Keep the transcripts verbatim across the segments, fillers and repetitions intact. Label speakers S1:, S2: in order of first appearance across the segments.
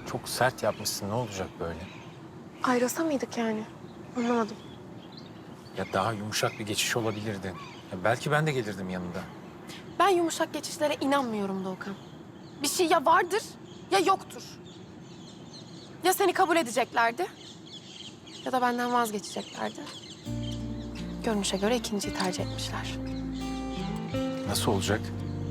S1: Çok sert yapmışsın. Ne olacak böyle?
S2: Ayrılsa mıydık yani? Anlamadım.
S1: Ya daha yumuşak bir geçiş olabilirdi. Ya belki ben de gelirdim yanında.
S2: Ben yumuşak geçişlere inanmıyorum Doğukan. Bir şey ya vardır ya yoktur. Ya seni kabul edeceklerdi ya da benden vazgeçeceklerdi. Görünüşe göre ikinciyi tercih etmişler.
S1: Nasıl olacak?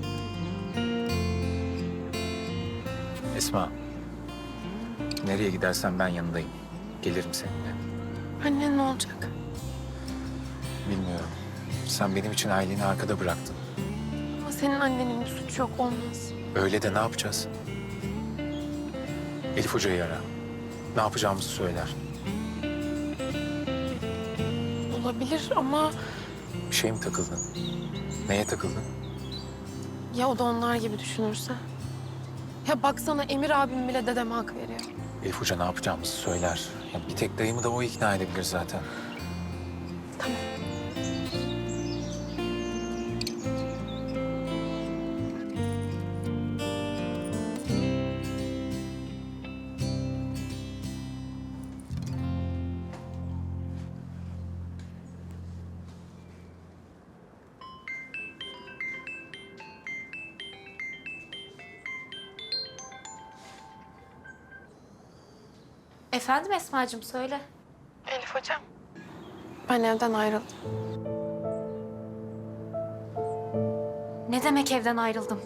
S1: Esma. Nereye gidersen ben yanındayım. Gelirim seninle.
S2: Annen ne olacak?
S1: Bilmiyorum. Sen benim için aileni arkada bıraktın.
S2: Ama senin annenin bir suçu yok, olmaz.
S1: Öyle de ne yapacağız? Elif Hoca'yı ara. Ne yapacağımızı söyler.
S2: Olabilir ama
S1: Bir şey mi takıldın? Neye takıldın?
S2: ya o da onlar gibi düşünürse? Ya baksana Emir abim bile dedeme hak veriyor.
S1: Elif Hoca ne yapacağımızı söyler. Ya bir tek dayımı da o ikna edebilir zaten.
S2: Tamam.
S3: Efendim Esma'cığım söyle.
S2: Elif hocam. Ben evden ayrıldım.
S3: Ne demek evden ayrıldım?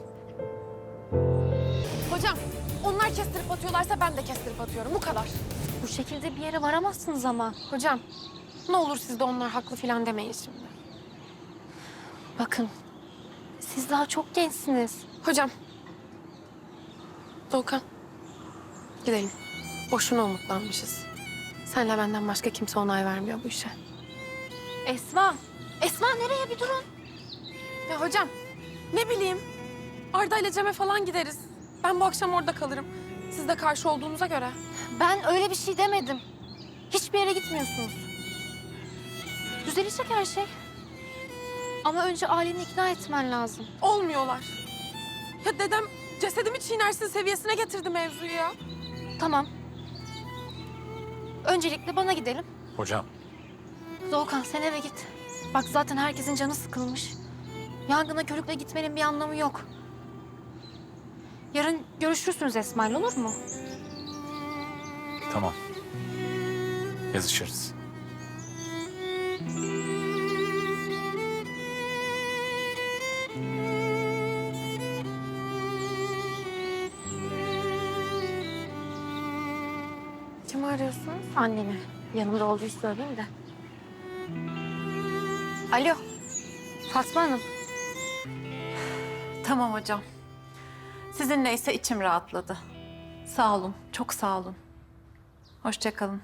S2: Hocam, onlar kestirip atıyorlarsa ben de kestirip atıyorum. Bu kadar.
S3: Bu şekilde bir yere varamazsınız ama.
S2: Hocam, ne olur siz de onlar haklı falan demeyin şimdi.
S3: Bakın, siz daha çok gençsiniz.
S2: Hocam. Doğukan. Gidelim. Boşuna umutlanmışız. Senle benden başka kimse onay vermiyor bu işe.
S3: Esma, Esma nereye bir durun.
S2: Ya hocam, ne bileyim. Arda ile Cem'e falan gideriz. Ben bu akşam orada kalırım. Siz de karşı olduğunuza göre.
S3: Ben öyle bir şey demedim. Hiçbir yere gitmiyorsunuz. Düzelecek her şey. Ama önce aileni ikna etmen lazım.
S2: Olmuyorlar. Ya dedem cesedimi çiğnersin seviyesine getirdi mevzuyu ya.
S3: Tamam. Öncelikle bana gidelim.
S1: Hocam.
S3: Doğukan sen eve git. Bak zaten herkesin canı sıkılmış. Yangına körükle gitmenin bir anlamı yok. Yarın görüşürsünüz Esma'yla, olur mu?
S1: Tamam. Yazışırız.
S2: Kimi arıyorsunuz?
S3: Anneni. Yanımda olduğu söyleyeyim de. Alo. Fatma Hanım.
S4: Tamam hocam. Sizinleyse içim rahatladı. Sağ olun, çok sağ olun. Hoşça kalın.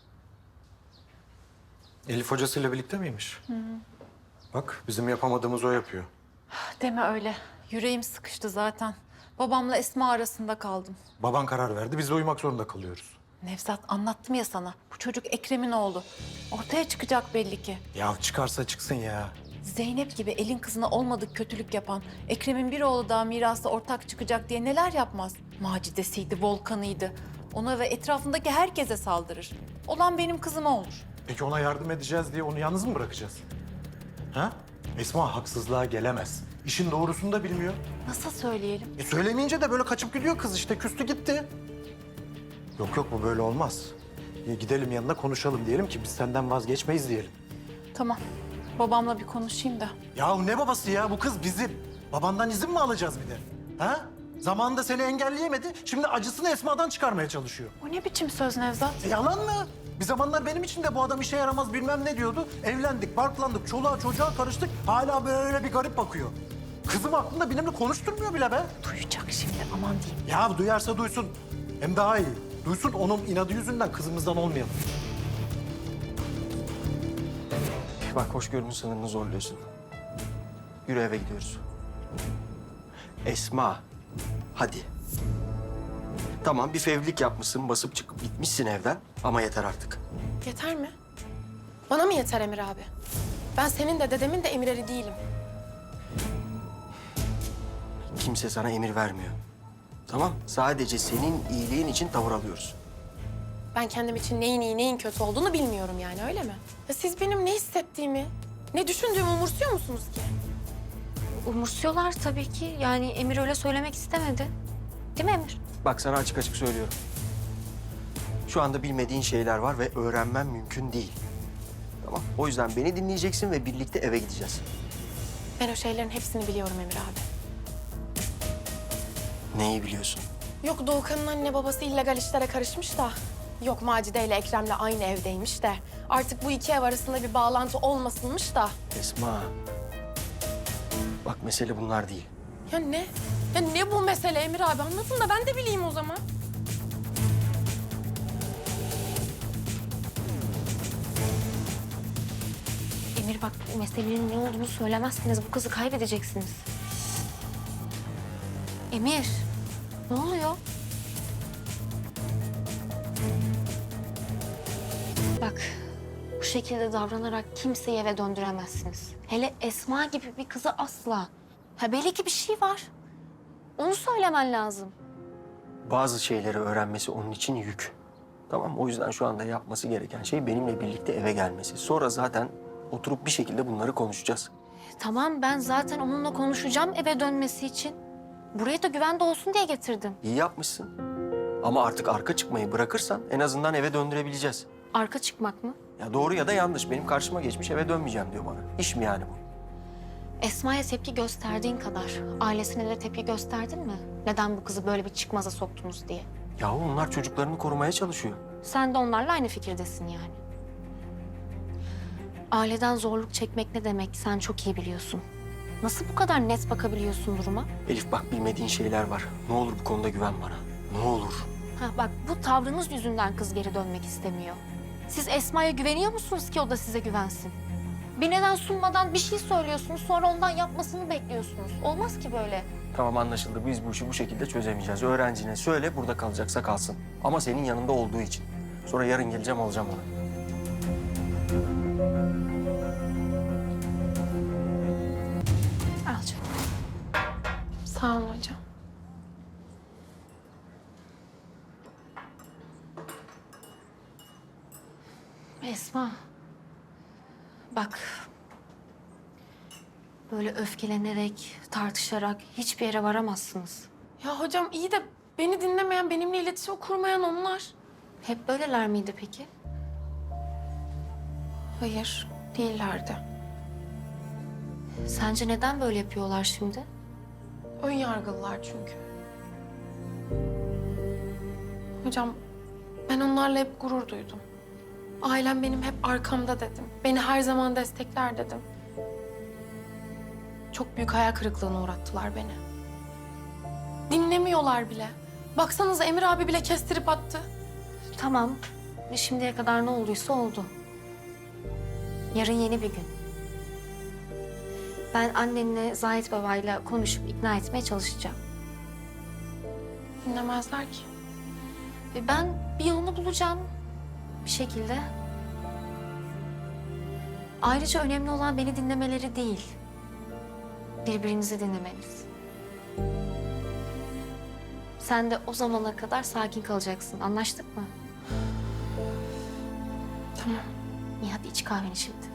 S5: Elif hocasıyla birlikte miymiş? Bak bizim yapamadığımız o yapıyor.
S4: Deme öyle. Yüreğim sıkıştı zaten. Babamla Esma arasında kaldım.
S5: Baban karar verdi, biz de uyumak zorunda kalıyoruz.
S4: Nevzat anlattım ya sana. Bu çocuk Ekrem'in oğlu. Ortaya çıkacak belli ki.
S5: Ya çıkarsa çıksın ya.
S4: Zeynep gibi elin kızına olmadık kötülük yapan, Ekrem'in bir oğlu daha mirasta ortak çıkacak diye neler yapmaz? Macidesiydi, Volkan'ıydı. Ona ve etrafındaki herkese saldırır. Olan benim kızıma olur.
S5: Peki ona yardım edeceğiz diye onu yalnız mı bırakacağız? Ha? Esma haksızlığa gelemez. İşin doğrusunu da bilmiyor.
S4: Nasıl söyleyelim?
S5: E söylemeyince de böyle kaçıp gidiyor kız işte, küstü gitti. Yok yok bu böyle olmaz. E, gidelim yanına konuşalım diyelim ki biz senden vazgeçmeyiz diyelim.
S4: Tamam. Babamla bir konuşayım da.
S5: Ya ne babası ya, bu kız bizim. Babandan izin mi alacağız bir de? Ha? Zamanında seni engelleyemedi, şimdi acısını Esma'dan çıkarmaya çalışıyor.
S4: O ne biçim söz Nevzat?
S5: E, yalan mı? Bir zamanlar benim için de bu adam işe yaramaz bilmem ne diyordu. Evlendik, barklandık, çoluğa çocuğa karıştık. Hala böyle bir garip bakıyor. Kızım aklında benimle konuşturmuyor bile be.
S4: Duyacak şimdi, aman diyeyim.
S5: Ya duyarsa duysun. Hem daha iyi. Duysun, onun inadı yüzünden kızımızdan olmayalım.
S6: Bak hoşgörünün sınırını zorluyorsun. Yürü eve gidiyoruz. Esma, hadi. Tamam bir fevlik yapmışsın, basıp çıkıp gitmişsin evden ama yeter artık.
S2: Yeter mi? Bana mı yeter Emir abi? Ben senin de dedemin de emirleri değilim.
S6: Kimse sana emir vermiyor. Tamam, sadece senin iyiliğin için tavır alıyoruz.
S2: Ben kendim için neyin iyi neyin kötü olduğunu bilmiyorum yani öyle mi? Ya siz benim ne hissettiğimi, ne düşündüğümü umursuyor musunuz ki?
S3: Umursuyorlar tabii ki. Yani Emir öyle söylemek istemedi. Değil mi Emir?
S6: Bak sana açık açık söylüyorum. Şu anda bilmediğin şeyler var ve öğrenmen mümkün değil. Tamam, o yüzden beni dinleyeceksin ve birlikte eve gideceğiz.
S2: Ben o şeylerin hepsini biliyorum Emir abi.
S6: Neyi biliyorsun?
S2: Yok Doğukan'ın anne babası illegal işlere karışmış da. Yok Macide ile Ekrem'le aynı evdeymiş de. Artık bu iki ev arasında bir bağlantı olmasınmış da.
S6: Esma. Bak mesele bunlar değil.
S2: Ya ne? Ya ne bu mesele Emir abi? Anlatın da ben de bileyim o zaman.
S3: Emir bak meselenin ne olduğunu söylemezseniz bu kızı kaybedeceksiniz. Emir, ne oluyor? Bak, bu şekilde davranarak kimseyi eve döndüremezsiniz. Hele Esma gibi bir kızı asla. Ha belli ki bir şey var. Onu söylemen lazım.
S6: Bazı şeyleri öğrenmesi onun için yük. Tamam, o yüzden şu anda yapması gereken şey benimle birlikte eve gelmesi. Sonra zaten oturup bir şekilde bunları konuşacağız.
S3: Tamam ben zaten onunla konuşacağım eve dönmesi için. Buraya da güvende olsun diye getirdim.
S6: İyi yapmışsın. Ama artık arka çıkmayı bırakırsan en azından eve döndürebileceğiz.
S3: Arka çıkmak mı?
S6: Ya doğru ya da yanlış. Benim karşıma geçmiş, eve dönmeyeceğim diyor bana. İş mi yani bu?
S3: Esma'ya tepki gösterdiğin kadar ailesine de tepki gösterdin mi? Neden bu kızı böyle bir çıkmaza soktunuz diye.
S6: Yahu onlar çocuklarını korumaya çalışıyor.
S3: Sen de onlarla aynı fikirdesin yani. Aileden zorluk çekmek ne demek sen çok iyi biliyorsun. Nasıl bu kadar net bakabiliyorsun duruma?
S6: Elif bak, bilmediğin şeyler var. Ne olur bu konuda güven bana. Ne olur.
S3: Ha bak bu tavrınız yüzünden kız geri dönmek istemiyor. Siz Esma'ya güveniyor musunuz ki o da size güvensin? Bir neden sunmadan bir şey söylüyorsunuz sonra ondan yapmasını bekliyorsunuz. Olmaz ki böyle.
S6: Tamam, anlaşıldı. Biz bu işi bu şekilde çözemeyeceğiz. Öğrencine söyle, burada kalacaksa kalsın. Ama senin yanında olduğu için. Sonra yarın geleceğim, alacağım onu.
S3: Al canım.
S2: Sağ olun hocam.
S3: Esma. Bak. Böyle öfkelenerek, tartışarak hiçbir yere varamazsınız.
S2: Ya hocam iyi de beni dinlemeyen, benimle iletişim kurmayan onlar.
S3: Hep böyleler miydi peki?
S2: Hayır, değillerdi.
S3: Sence neden böyle yapıyorlar şimdi?
S2: Ön yargılılar çünkü. Hocam ben onlarla hep gurur duydum. Ailem benim hep arkamda dedim. Beni her zaman destekler dedim. Çok büyük hayal kırıklığına uğrattılar beni. Dinlemiyorlar bile. Baksanıza Emir abi bile kestirip attı.
S3: Tamam. Şimdiye kadar ne olduysa oldu. Yarın yeni bir gün. Ben annenle Zahit babayla konuşup ikna etmeye çalışacağım.
S2: Dinlemezler ki.
S3: Ve ben bir yolunu bulacağım bir şekilde. Ayrıca önemli olan beni dinlemeleri değil, birbirinizi dinlemeniz. Sen de o zamana kadar sakin kalacaksın. Anlaştık mı?
S2: Tamam.
S3: İyi hadi iç kahveni şimdi.